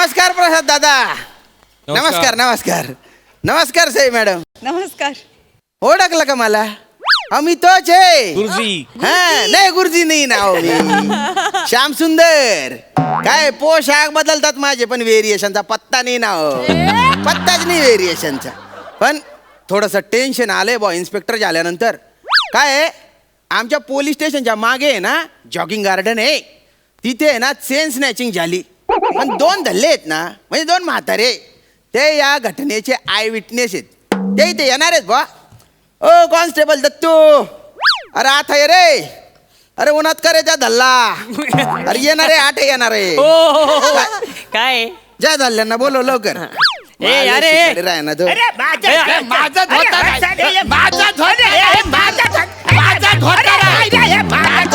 नमस्कार प्रसाद दादा. नमस्कार नमस्कार नमस्कार साई मॅडम. नमस्कार. ओळखलं का मला? आम्ही तोच आहे गुरुजी. हा नाही गुरुजी नाही नाव मी श्याम सुंदर. काय पोशाख बदलतात माझे पण व्हेरिएशनचा पत्ता नाही नाव. पत्ताच नाही व्हेरिएशनचा. पण थोडस टेन्शन आलंय बॉ इन्स्पेक्टर झाल्यानंतर. काय आहे, आमच्या पोलीस स्टेशनच्या मागे आहे ना जॉगिंग गार्डन आहे. तिथे आहे ना चेन स्नॅचिंग झाली. पण 2 धल्ले आहेत ना, म्हणजे 2 म्हातारे, ते या घटनेचे आय विटनेस आहेत. ते इथे येणार आहेत बा. ओ कॉन्स्टेबल दत्तू, अरे आता ये रे. अरे उन्हात करे त्या धल्ला. अरे येणार आहे, आठ येणार आहे. काय ज्या धल्ल्यांना बोलव लवकर. ए अरे राह ना तो. माझा धोतर आहे. माझा धोतर आहे. माझा धोतर आहे. माझा धोतर आहे. माझा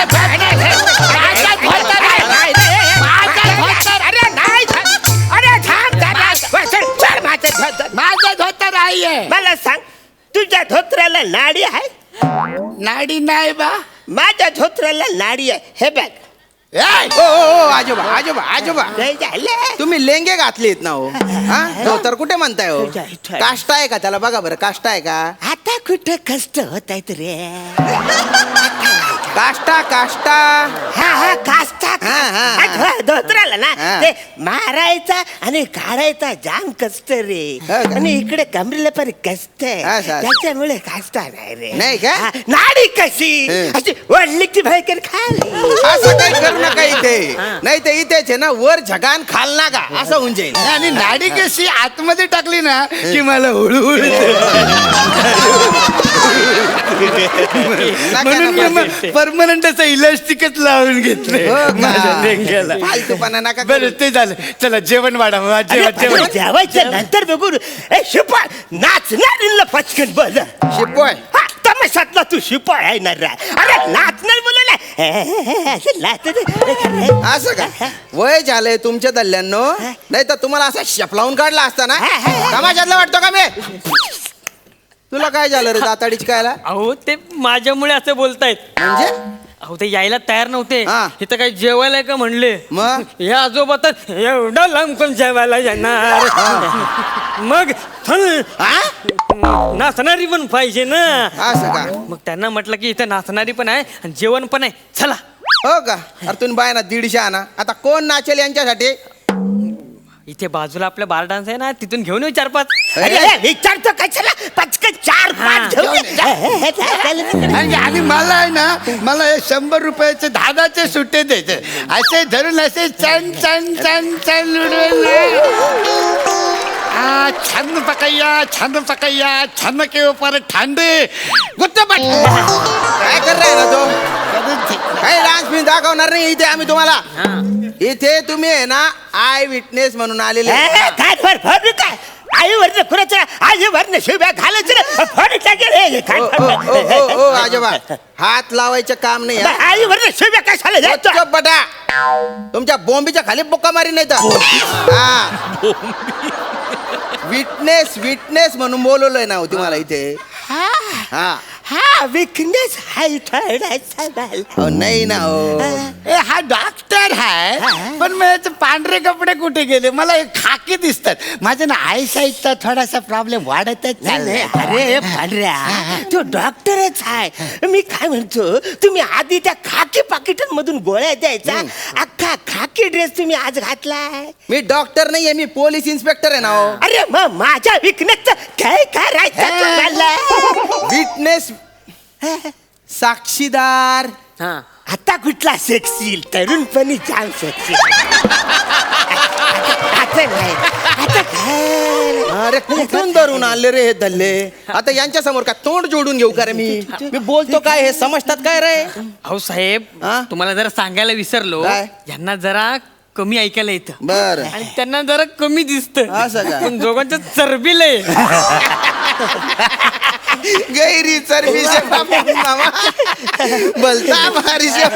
धोतर आहे. अरे नाही. अरे थांब दादा. चल माझा धोतर आहे. मला सांग, तुझ्या धोत्राला नाडी आहे? नाडी नाही बा. माझ्या धोत्राला नाडी आहे. हे बघ. ओ ओ आजोबा आजोबा आजोबा, नाही झालं. तुम्ही लेंगे घातलेत ना हो. हा तर कुठे म्हणताय हो? तुझ्या इथं. काष्टा आहे का त्याला? बघा बरं काष्टा आहे का? आता कुठं कष्ट होत आहेत रे? काष्टा काष्टा. हा हा काष्टा. हा, हा, हा. हा, धोत्राला ना हा. ते मारायचा आणि काढायचा जाम कष्ट रे. हो का? आणि इकडे कमरेला पण कष्ट आहे. असं, असं. त्याच्यामुळे काष्टा नाही रे. नाही का? हा, नाडी कशी हं. अशी वडली की भाईकर खाली. असं काही करू नका इथे. नाही तर इथेच आहे ना वर झगान खाल ना का असं होऊन जाईल. आणि नाडी कशी आतमध्ये टाकली ना की मला हळूहळू म्हणून परमनंट असं इलास्टिकच लावून घेतलंय हो का? माझ्या लेंग्याला. फालतूपणा नका करू. बरं ते झालं. चला जेवण वाढा. जेवण जेवायचं नंतर बघू. ए शिपाय, नाचणार पचकन बोल. शिपोय हा, तमाशातला तू शिपाय आहे ना रे. अरे नाचणार बोलला. असं का? वय झालंय तुमच्या दल्ल्यांनो. नाही तर तुम्हाला असा शेप लावून काढला असता ना. समाजातला वाटतो का मी? तुला काय झालं रे दाताडीच कायला? अहो ते माझ्यामुळे असं बोलतायत. म्हणजे अहो ते यायला तयार नव्हते. हा. इथं काही जेवायला का म्हणले. मग? हे आजोबा तर एवढं लांब कोण जेवायला येणार. मग चल, नाचणारी पण पाहिजे ना. असं का? मग त्यांना म्हटलं की इथं नाचणारी पण आहे आणि जेवण पण आहे, चला. हो का? अरे तुम्ही बाय ना 150 आणा. आता कोण नाचेल यांच्यासाठी? इथे बाजूला आपल्या बार डान्स आहे ना, तिथून घेऊन येऊ 4-5. अरे विचारतो कशाला? पचकन 4-5 घेऊन ये. आणि मला आहे ना, मला हे 100 रुपयाचे 10चे सुट्टे द्यायचे. असे धरून असे चण चण चण चण छंद पकैया छंद के ऊपर ठंडे गुत्तपट. काय कर रहे ना तो? काही डान्स मी दाखवणार नाही इथे आम्ही तुम्हाला. इथे तुम्ही आहे ना आय विटनेस म्हणून आलेले. काय फर काय आई वरनं कुणाच्या आई वरनं शिव्या घालायचं ना. फड टाकेल. ओ आजोबा, हात लावायचं काम नाही. आई वरनं शिव्या कशाला द्यायचं? गपचूप बटा. तुमच्या बोंबीच्या खाली बुक्का मारी नाही तर. हा विटनेस म्हणून बोलवलंय ना तुम्हाला इथे. हा हा विकनेस हाय ठरडायचा मला. नाही ना हो. हा डॉक्टर आहे पण माझे पांढरे कपडे कुठे गेले? मला हे खाकी दिसतात. माझ्या ना आय साईडचा थोडासा प्रॉब्लेम वाढतच चाललाय. अरे पांढऱ्या, तो डॉक्टरच आहे. मी काय म्हणतो, तुम्ही आधी त्या खाकी पाकिटांमधून गोळ्या द्यायचा. अख्खा खाकी ड्रेस तुम्ही आज घातलाय. मी डॉक्टर नाहीये, मी पोलीस इन्स्पेक्टर आहे ना हो. अरे मग माझ्या विकनेसचं काय करायचं तुम्हाला? विटनेस साक्षीदार. हा. आता कुठला सेक्सी? तरुणपणी जाम सेक्सी. आता नाही. आता काय? अरे कुठून धरून आणले रे हे दल्ले? आता यांच्या समोर का तोंड जोडून घेऊ का रे मी बोलतो काय हे समजतात काय रे? अहो साहेब, हा? तुम्हाला जरा सांगायला विसरलो. काय? यांना जरा कमी ऐकायला येतं बर आणि त्यांना जरा कमी दिसतं. असं का? पण दोघांचं चरबीलंय. गैरी चरबी से मामा बोलता मारी से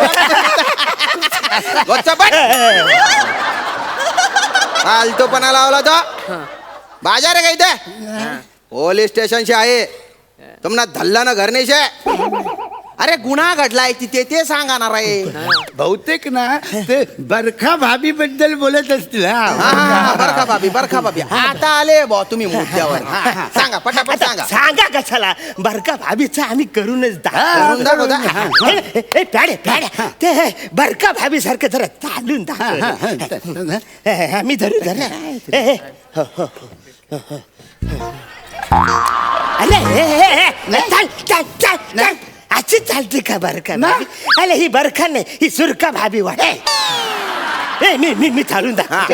फालतूपणा लावला तो. बाजार आहे का इथे? पोलीस स्टेशन से आहे. तुमना धल्ला ना घर नहीं से. अरे गुन्हा घडलाय तिथे ते सांगा ना रे. बहुतेक ना ते बरखा भाभी बद्दल बोलत असतील. बरखा भाभी आता आले बॉ तुम्ही मुद्द्यावर. सांगा पटापट सांगा. सांगा कशाला बरका भाभीचं आम्ही करूनच करून दाखव दा. प्याड्या ते बरका भाभी सारखं जरा चालून दाखव. मी धरू अरे अशी चालते का बरका भाभी? अरे ही बरखा नाही ही सुरका भाभी वाटे. मी चालून दाखव.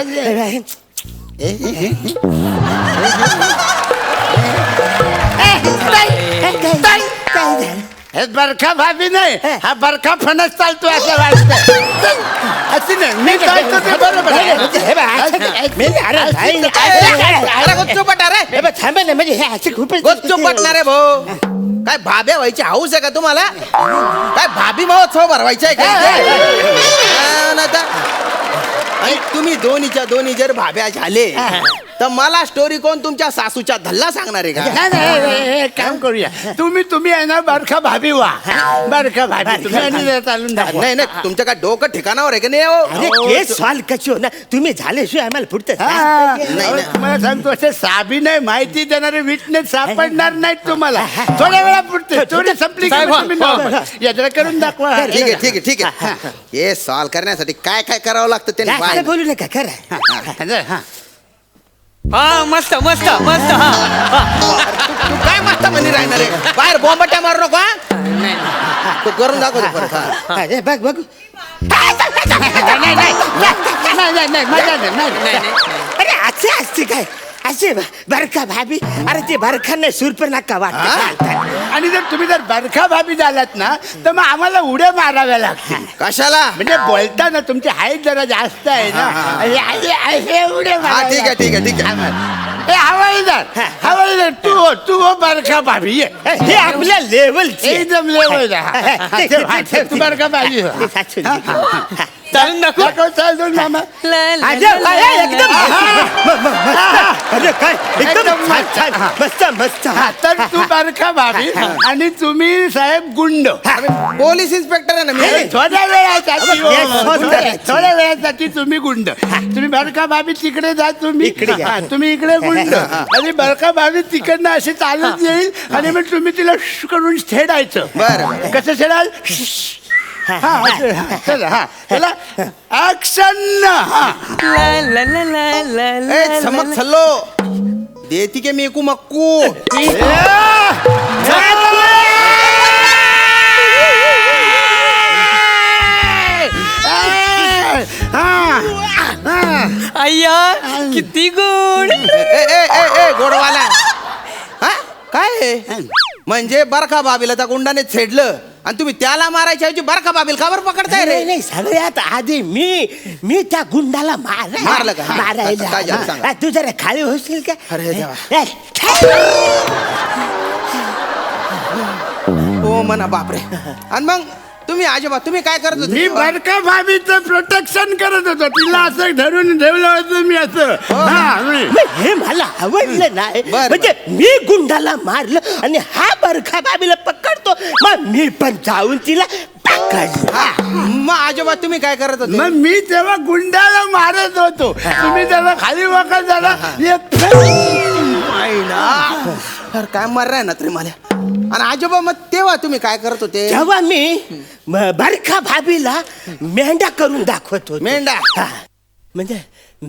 हे बरखा भाभी नाही हा बरखा फणस चालतो असं वाटतं. अशी नाही मी चालतो ते बरोबर आहे. अरे गुच्चूपट अरे थांबे ना म्हणजे हे असे खूपच गुच्चूपटणार आहे भाऊ. काय भाब्या व्हायची हाऊस आहे का तुम्हाला? काय भाभी महोत्सव भरवायचा आहे का? आणि तुम्ही दोन्ही जर भाब्या झाले तर मला स्टोरी कोण तुमच्या सासूच्या धल्ला सांगणार आहे का? नाही, एक काम करूया तुम्ही आहे ना बरखा भाभी वा. बरखा भाभी तुम्ही आणि चालून दाखवा. नाही तुमच्या काय डोकं ठिकाणावर आहे का नाही? अरे केस सॉल्व कशी हो ना तुम्ही झाल्याशिवाय आम्हाला पुढचं नाही, तुम्हाला सांगतो असे साबी नाही माहिती देणारे विटनेस सापडणार नाहीत तुम्हाला. थोड्या वेळा पुढते चोरी संपली यात्रा करून दाखवा. ठीक आहे हे सॉल्व करण्यासाठी काय काय करावं लागतं ते काय बोलू नका खरं. हा मस्त मस्त मस्त. तू काय मस्त म्हणी राहणार आहे? बाहेर बॉम्बट्या मारू नको. तू करून दाखवतो परत. बघ बघ अरे असे असते काय असे बरखा भाभी. अरे ते बरखा नाही सुरपर नका वाटत. आणि जर बरखा भाभी झालात ना तर मग आम्हाला उड्या माराव्या लागतील. कशाला? म्हणजे बोलताना तुमची हाईट जरा जास्त आहे ना. हे उड्या माराव्या. ठीक आहे हवाईदार तू हो बरखा भाभी ये. हे आपल्या लेवल एकदम लेवल तू बरखा भाभी हो. चालून दाखव. चालून मामा. एकदम मस्त मस्त. तर तू बरखा भाभी आणि तुम्ही साहेब गुंड. पोलीस इन्स्पेक्टर आहे ना मी. थोड्या वेळासाठी तुम्ही गुंड. तुम्ही बरखा भाभी तिकडे जा. तुम्ही तुम्ही इकडे गुंड. आणि बरखा भाभी तिकडनं अशी चालत येईल आणि मग तुम्ही तिला करून छेडायचं. बरं कसं छेडाल? चला ऍक्शन. समज छल्लो देती के मेकू मक्कू. अय्या किती गोड. ए गोडवाला हा काय म्हणजे बरखा बाबीला त्या गुंडाने छेडलं आणि तुम्ही त्याला मारायच्या ऐवजी बरखा बाबीला का बरं पकडताय रे? नाही सगळ्यात आधी मी त्या गुंडाला मारलं का? काय झालं सांगा. मारायला. तू जरा खाली होशील का? अरे देवा. हो म्हणा बापरे. आणि मग तुम्ही आजोबा तुम्ही काय करत होते? मी बरका भाभीचं प्रोटेक्शन करत होतो. तिला असं धरून ठेवलं होतं मी असं. हे मला आवडलं नाही. बरं. म्हणजे मी गुंडाला मारलं आणि हा बरखा बाबीला पकडतो मग मी पण जाऊन तिला पकडलं. मग आजोबा तुम्ही काय करत होते? मग मी तेव्हा गुंडाला मारत होतो. तुम्ही तेव्हा खाली वाकत झाला. अरे काय मार ना तरी मला. आणि आजोबा मग तेव्हा तुम्ही काय करत होते? तेव्हा मी बरखा भाभीला मेंढा करून दाखवत होतो. मेंढा? हा. म्हणजे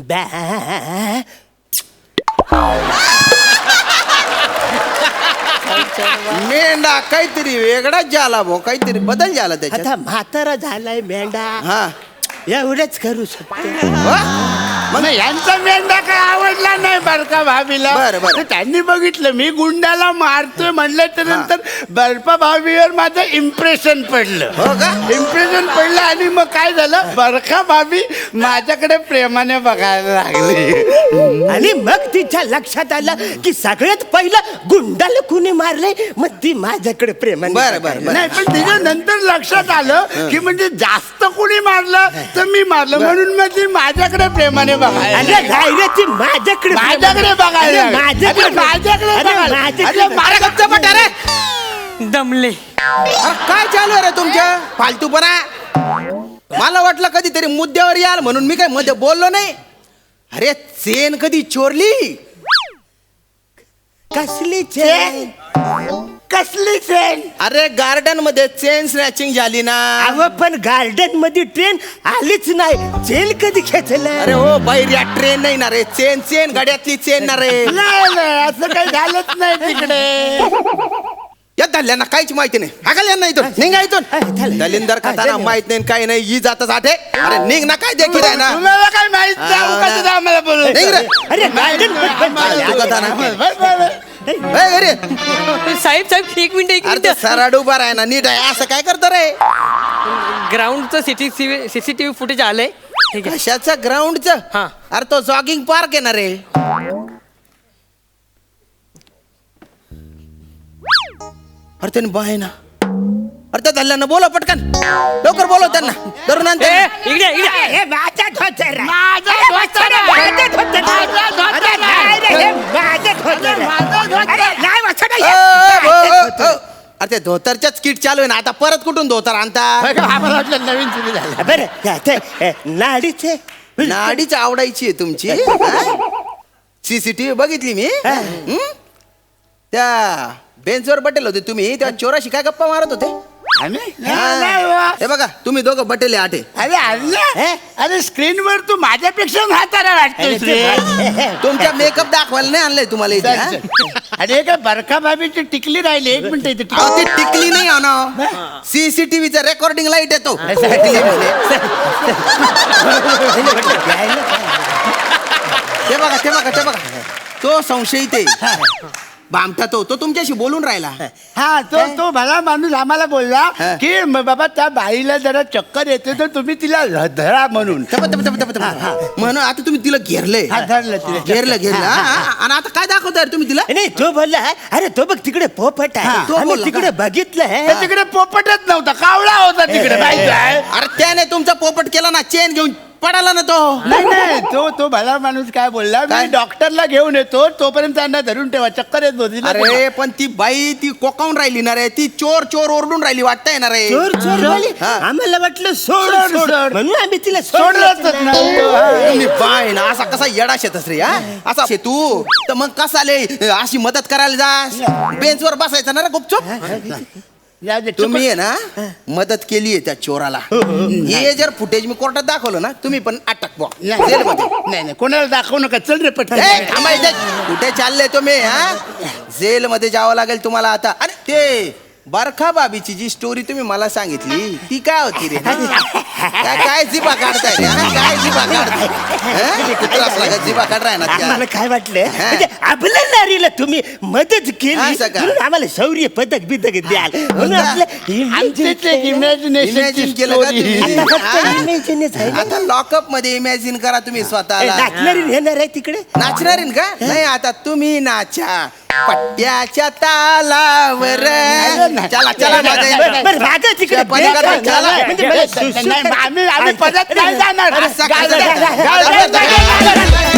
मेंढा काहीतरी वेगळाच झाला भाऊ. काहीतरी बदल झाला त्याच्यात. आता म्हातारा झालाय मेंढा. हा एवढंच करू शकतो. मग यांचा मेंढा काय आवडला नाही बरका भाभीला. बरं. तर त्यांनी बघितलं मी गुंडाला मारतोय म्हणलं तर नंतर बर्फा भाभीवर माझं इम्प्रेशन पडलं. हो का? इम्प्रेशन पडलं आणि मग काय झालं बरखा भाभी माझ्याकडे प्रेमाने बघायला लागली. आणि मग तिच्या लक्षात आलं की सगळ्यात पहिलं गुंडाला कुणी मारले मग ती माझ्याकडे प्रेमाने बरं. नाही पण तिच्या नंतर लक्षात आलं की म्हणजे जास्त कुणी मारलं तर मी मारलं म्हणून मग ती माझ्याकडे प्रेमाने बघायला. अरे नाही रे ती माझ्याकडे बघायला. माझ्याकडे माझ्याकडे माझ्याकडे बघायला. अरे गप्प बटा रे. दमले. अरे काय चालू आहे रे तुमच्या फालतूपणा? मला वाटलं कधीतरी मुद्द्यावर याल म्हणून मी काय मध्ये बोललो नाही. अरे चेन कधी चोरली? कसली चेन? कसली चेन? अरे गार्डन मध्ये चेन स्नॅचिंग झाली ना. अहो पण गार्डन मध्ये ट्रेन आलीच नाही, चेन कधी खेचलं? अरे हो बाहेर या ट्रेन नाही ना रे, चेन चेन गाड्यातली चेन ना रे. नाही नाही, असं काही झालंच नाही तिकडे. या दल्यांना काहीच माहिती नाही. हाकल यांना इथून, निघा इथून. दलिंदर खाताना माहित नाही काय नाही, ही जातच आठे. अरे निघ ना, काय देखील आहे ना. तुम्हाला काय माहित नाही, उगाचच आम्हाला बोलवलं. निघ रे. अरे गार्डन तू कथा ना. ए, अरे साहेब साहेब एक मिनिट अरे ते मिनिट सराड उभा राह ना, नीट आहे. असं काय करतो रे? ग्राउंडचं सीसीटीव्ही फुटेज आलंय. ठीक आहे. कशाचं ग्राउंडचं? हा. अरे तो जॉगिंग पार्क आहे ना रे. अरे त्याने बाय ना. अरे त्या धल्ल्यांना बोला पटकन, लवकर बोलव त्यांना. धरून आण ए, त्यांना. इकडे इकडे हे माझं धोतर आहे. माझं अरे धोतर आहे. माझं धोतर आहे. माझं धोतर अरे नाही रे, हे माझं धोतर आहे. माझं धोतर आहे. अरे नाही वाचन आहे, ओ, हे ओ, माझं ओ, धोतर ओ. आहे. अरे ते धोतरच्याच किट चालू आहे ना आता. परत कुठून धोतर आणता? आम्हाला वाटलं नवीन सुरू झालं. बरं नाडीचे नाडीच आवडायची आहे तुमची. सीसीटीव्ही बघितली मी. हं? त्या बेंचवर बटेल होते तुम्ही, त्या चोराशी काय गप्पा मारत होते? आम्ही? हा. नाही बा. हे बघा तुम्ही दोघं बटेले आठे. अरे अल्ला, अरे स्क्रीनवर तू माझ्यापेक्षा म्हातारा वाटतोस रे. तुमच्या मेकअप दाखवायला नाही आणलंय तुम्हाला इथे. हा? अरे काय बरका भाभीची टिकली राहिली. एक मिनिट इथे अहो, ती टिकली नाही आणा. सीसीटीव्हीचा रेकॉर्डिंग लाईट येतो. टिकली म्हणजे. ते बघा ते बघा ते बघा, तो संशयित आहे. बामटा तो तुमच्याशी बोलून राहिला. हा तो भला माणूस आम्हाला बोलला हा. की बाबा त्या बाईला जरा चक्कर येते तर तुम्ही तिला धरा म्हणून. म्हणून आता तुम्ही तिला घेरले. हा, धरलं तिला. घेरलं हा, हा. आणि आता काय दाखवताय रे तुम्ही तिला? नाही तो बोलला अरे तो बघ तिकडे पोपट हा, आहे. तो आम्ही बोलला तिकडे बघितलं तर तिकडे पोपटच नव्हता, कावळा होता तिकडे. माहिती आहे? अरे त्याने तुमचा पोपट केला ना, चेन घेऊन पडाला ना तो. नाही नाही, तो भला माणूस काय बोलला, काय? मी डॉक्टरला घेऊन येतो तोपर्यंत त्यांना धरून ठेवा, चक्कर येत होती ना. अरे पण ती बाई ती कोकावून राहिली ना रे. ती चोर चोर ओरडून राहिली वाटतंय ना रे. चोर चोर बोलली. हा. आम्हाला वाटलं सोड सोड, सोड सोड. म्हणून आम्ही तिला सोडलंच सोडलं नाही. तुम्ही बाय ना असा कसा येडा शेतस रे. हा असा तू तर मग कसा ले अशी मदत करायला जास? बेंचवर बसायचं ना रे गुपचूप. जाऊ दे, तुम्ही आहे ना मदत केली आहे त्या चोराला. हे जर फुटेज मी कोर्टात दाखवलं ना, तुम्ही पण अटक बुवा नाही जेलमध्ये. नाही, कोणाला दाखवू नका. चल रे पटकन. ए, थांबा इथे. कुठे चालले तुम्ही? हा जेल मध्ये जावं लागेल तुम्हाला आता. अरे ते बरखा बाबीची जी स्टोरी तुम्ही मला सांगितली ती काय होती रे? काय जिबा काढताय रे? हा, काय जिबा काढताय? हा? कुत्राच लागत जिबा काढताय ना त्या. आम्हाला काय वाटलं म्हणजे आपल्या नारीला तुम्ही मदत केली असं का? म्हणून आम्हाला शौर्य पदक बिदक द्याल म्हणून आपलं आमचेच एक imagination Imagine ची केलं का story. तुम्ही? आता फक्त हा? इमेजिनच आहे ना. आता लॉकअप मध्ये इमॅजिन करा तुम्ही स्वतःला. नाचणारी येणार आहे तिकडे नाचणार आहे का? नाही आता तुम्ही नाचा पट्ट्याच्या तालावर. चला चला माझ्या बरं माझं तिकडे पलीकडे बेस्ट चला. आहे. म्हणजे मला सुसू नाही, आम्ही पदक नाही जाणार. असं गाडं- कसं? गाडं- गाडं- गाडं-